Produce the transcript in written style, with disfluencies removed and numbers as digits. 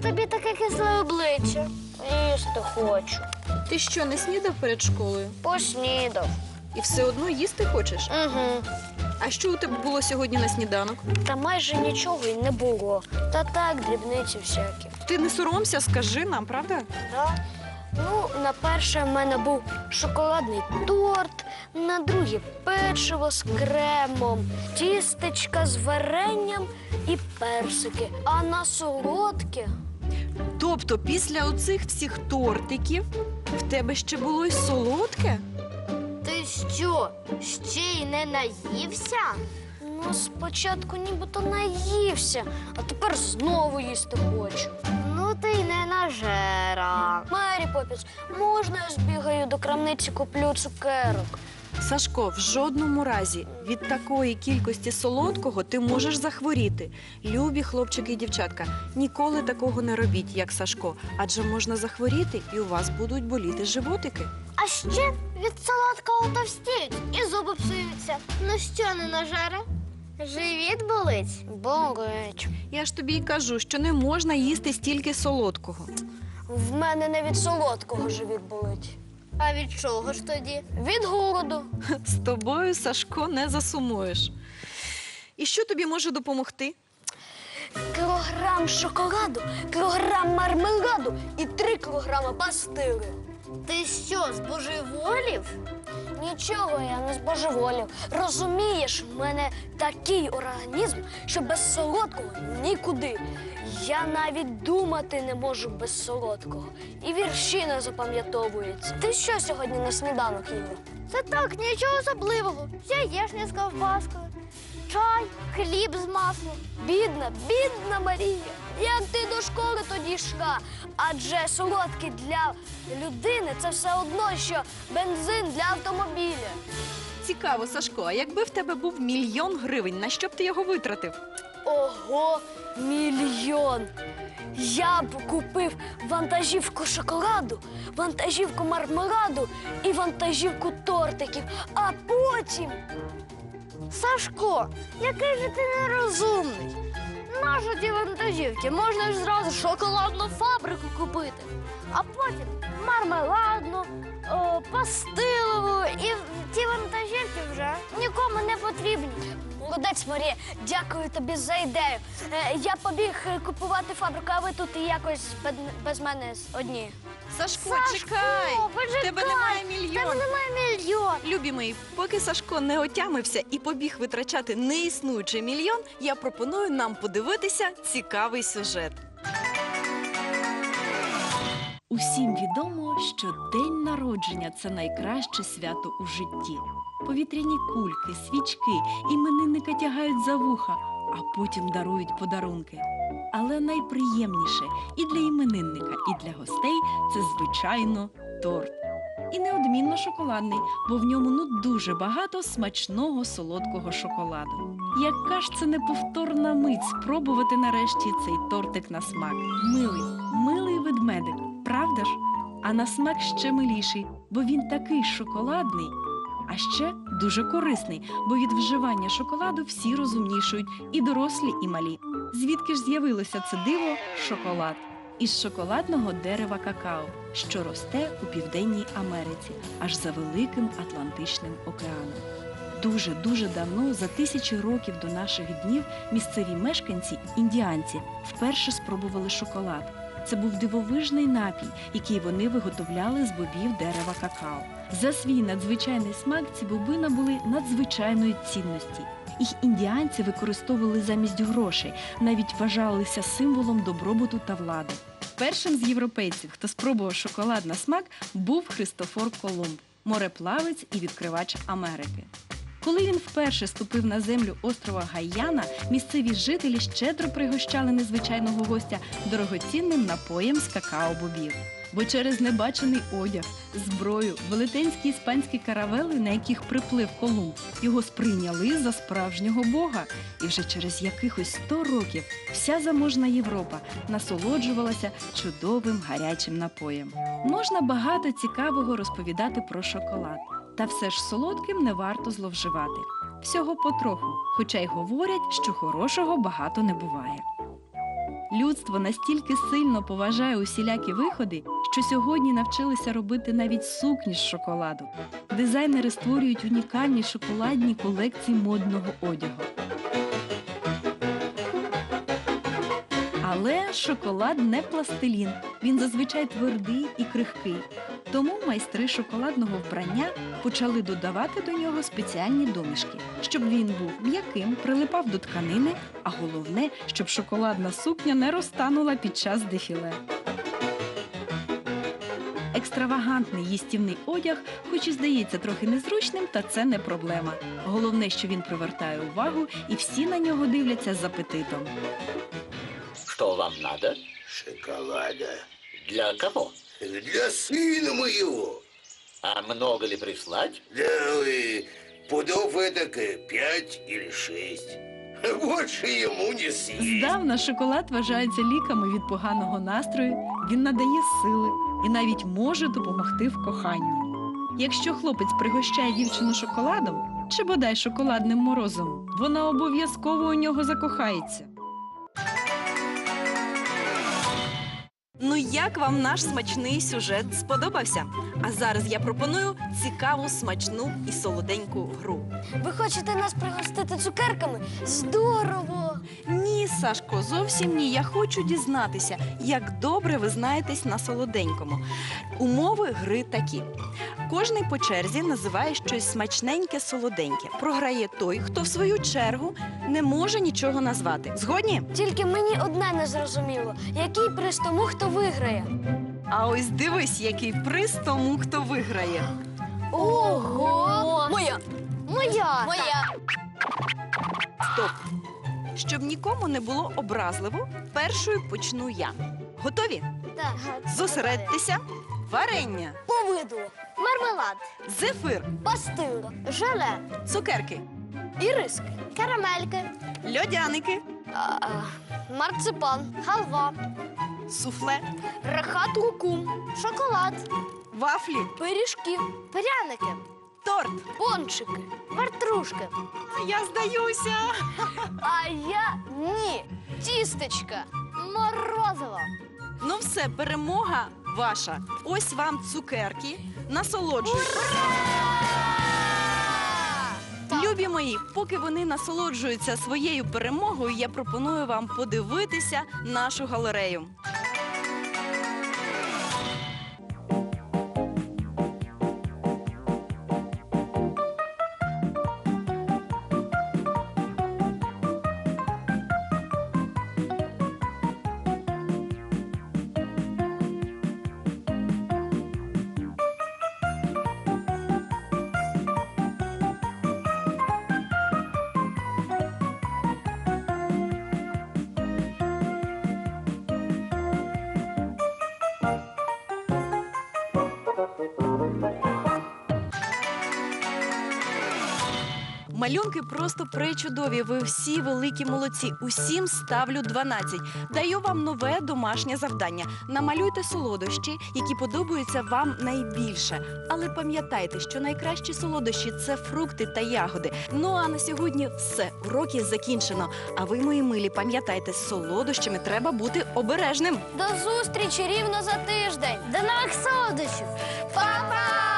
тобі таке кисле обличчя? Їсти хочу. Ти що, не снідав перед школою? Поснідав. І все одно їсти хочеш? Угу. А що у тебе було сьогодні на сніданок? Та майже нічого й не було. Та так, дрібниці всякі. Ти не соромся, скажи нам, правда? Да? Ну, на перше в мене був шоколадний торт, на друге печиво з кремом, тістечка з варенням і персики. А на солодке Тобто після оцих всіх тортиків в тебе ще було й солодке? ти що, ще й не наївся? Ну, спочатку нібито наївся, а тепер знову їсти хочу. Ну, ти й не нажера. Мері Поппінс, можна я збігаю до крамниці, куплю цукерок? Сашко, в жодному разі від такої кількості солодкого ти можеш захворіти. Любі хлопчики і дівчатка, ніколи такого не робіть, як Сашко, адже можна захворіти і у вас будуть боліти животики. А ще від солодкого товстіють і зуби псуються. Ну що, не нажера? Живіт болить? Болить. Я ж тобі й кажу, що не можна їсти стільки солодкого. В мене не від солодкого живіт болить. А від чого ж тоді? Від голоду. З тобою, Сашко, не засумуєш. І що тобі може допомогти? Кілограм шоколаду, кілограм мармеладу і 3 кілограми пастили. Ти що, збожеволів? Нічого я не збожеволів. Розумієш, в мене такий організм, що без солодкого нікуди. Я навіть думати не можу без солодкого. І вірші не запам'ятовуються. Ти що сьогодні на сніданок їв? Це так, нічого особливого. Яєшня з ковбаскою, чай, хліб з маслом. Бідна, бідна Марія. Як ти до школи тоді йшла? Адже солодкі для людини – це все одно, що бензин для автомобіля. Цікаво, Сашко, а якби в тебе був 1 000 000 гривень, на що б ти його витратив? Ого, 1 000 000! Я б купив вантажівку шоколаду, вантажівку мармеладу і вантажівку тортиків, а потім… Сашко, який же ти нерозумний! Нащо ті вантажівки? Можна ж зразу шоколадну фабрику купити, а потім мармеладну, пастилову, і ті вантажівки вже нікому не потрібні. Молодець, Марія, дякую тобі за ідею. Я побіг купувати фабрику, а ви тут якось без мене одні. Сашко, чекай! В тебе немає 1 000 000. В тебе немає 1 000 000. Любі мої, поки Сашко не отямився і побіг витрачати неіснуючий 1 000 000, я пропоную нам подивитися цікавий сюжет. Усім відомо, що день народження – це найкраще свято у житті. Повітряні кульки, свічки, іменинника тягають за вуха, а потім дарують подарунки. Але найприємніше і для іменинника, і для гостей – це, звичайно, торт. І неодмінно шоколадний, бо в ньому дуже багато смачного солодкого шоколаду. Яка ж це неповторна мить спробувати нарешті цей тортик на смак. Милий ведмедик, правда ж? А на смак ще миліший, бо він такий шоколадний. А ще дуже корисний, бо від вживання шоколаду всі розумнішують, і дорослі, і малі. Звідки ж з'явилося це диво – шоколад? Із шоколадного дерева какао, що росте у Південній Америці, аж за Великим Атлантичним океаном. Дуже давно, за тисячі років до наших днів, місцеві мешканці, індіанці, вперше спробували шоколад. Це був дивовижний напій, який вони виготовляли з бобів дерева какао. За свій надзвичайний смак ці боби набули надзвичайної цінності. Їх індіанці використовували замість грошей, навіть вважалися символом добробуту та влади. Першим з європейців, хто спробував шоколад на смак, був Христофор Колумб, мореплавець і відкривач Америки. Коли він вперше ступив на землю острова Гайяна, місцеві жителі щедро пригощали незвичайного гостя дорогоцінним напоєм з какао-бобів. Бо через небачений одяг, зброю, велетенські іспанські каравели, на яких приплив Колумб, його сприйняли за справжнього бога. І вже через якихось 100 років вся заможна Європа насолоджувалася чудовим гарячим напоєм. Можна багато цікавого розповідати про шоколад. Та все ж солодким не варто зловживати. Всього потроху, хоча й говорять, що хорошого багато не буває. Людство настільки сильно поважає усілякі виходи, що сьогодні навчилися робити навіть сукні з шоколаду. Дизайнери створюють унікальні шоколадні колекції модного одягу. Але шоколад не пластилін, він зазвичай твердий і крихкий. Тому майстри шоколадного вбрання почали додавати до нього спеціальні домішки, щоб він був м'яким, прилипав до тканини, а головне, щоб шоколадна сукня не розтанула під час дефіле. Екстравагантний їстівний одяг, хоч і здається трохи незручним, та це не проблема. Головне, що він привертає увагу і всі на нього дивляться з апетитом. Что вам надо? Шоколада. Для кого? Для сына моего. А много ли прислать? Да, пудов эдак 5 или 6. Больше ему не съесть. Здавна шоколад вважається ліками від поганого настрою, він надає сили і навіть може допомогти в коханні. Якщо хлопець пригощає дівчину шоколадом чи бодай шоколадним морозом, вона обов'язково у нього закохається. Ну як вам наш смачний сюжет сподобався? А зараз я пропоную цікаву, смачну і солоденьку гру. Ви хочете нас пригостити цукерками? Здорово! Ні, Сашко, зовсім ні. Я хочу дізнатися, як добре ви знаєтесь на солоденькому. Умови гри такі. Кожний по черзі називає щось смачненьке, солоденьке. Програє той, хто в свою чергу не може нічого назвати. Згодні? Тільки мені одне не зрозуміло. Який приз тому, хто виграє? А ось дивись, який приз тому, хто виграє. Ого! Моя! Моя! Моя! Стоп! Щоб нікому не було образливо, першою почну я. Готові? Так. Зосередьтеся. Варення, Повидло. Мармелад. зефир, Пастила. Желе. цукерки, Іриски. Карамельки. льодяники, Марципан. Халва. суфле, Рахат лукум. Шоколад. вафлі, Пиріжки. Пряники. торт. Пончики. Вартрушки. Я здаюся. А я ні. Тістечка. Морозиво. Ну все, перемога ваша. Ось вам цукерки. Насолоджуйтесь. Любі мої, поки вони насолоджуються своєю перемогою, я пропоную вам подивитися нашу галерею. Малюнки просто пречудові. Ви всі великі молодці. Усім ставлю 12. Даю вам нове домашнє завдання. Намалюйте солодощі, які подобаються вам найбільше. Але пам'ятайте, що найкращі солодощі – це фрукти та ягоди. Ну а на сьогодні все. Уроки закінчено. А ви, мої милі, пам'ятайте, з солодощами треба бути обережним. До зустрічі рівно за тиждень. До нових солодощів. Па-па!